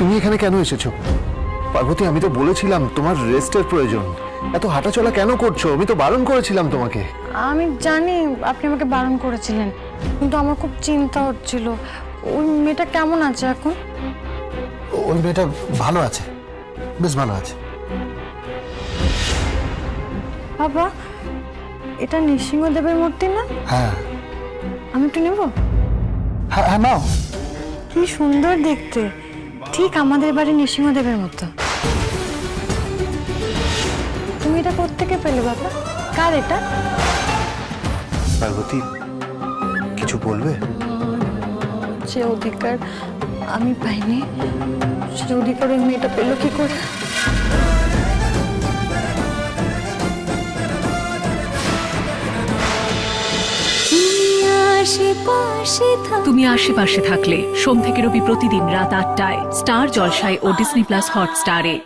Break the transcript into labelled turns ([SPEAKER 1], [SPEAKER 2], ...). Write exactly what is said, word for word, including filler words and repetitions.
[SPEAKER 1] তুমি এখানে কেন এসেছো? পার্বতী, আমি তো বলেছিলাম তোমার রেস্টের প্রয়োজন। এত হাঁটাচলা কেন করছো? আমি তো বারণ করেছিলাম তোমাকে।
[SPEAKER 2] আমি জানি আপনি আমাকে বারণ করেছিলেন, কিন্তু আমার খুব চিন্তা হচ্ছিল। ওই মেয়েটা কেমন আছে এখন?
[SPEAKER 3] ওই মেয়েটা ভালো আছে, বেশ ভালো আছে।
[SPEAKER 2] বাবা, এটা নৃসিংহদেবের মূর্তি না?
[SPEAKER 3] হ্যাঁ
[SPEAKER 2] আমি একটু নেব?
[SPEAKER 3] হ্যাঁ হ্যাঁ নাও।
[SPEAKER 2] কি সুন্দর দেখতে, ঠিক আমাদের বাড়ির নৃসিংহদেবের মতো। তুমি এটা কোত্থেকে পেলে বাবা? কার এটা?
[SPEAKER 1] পার্বতী, কিছু বলবে?
[SPEAKER 2] যে অধিকার আমি পাইনি, সে অধিকার ওই মেয়েটা পেলো কি করে?
[SPEAKER 4] তুমি আশেপাশে থাকলে সোম থেকে রবি প্রতিদিন রাত আটটায় স্টার জলসায় ও ডিসনি প্লাস হটস্টারে।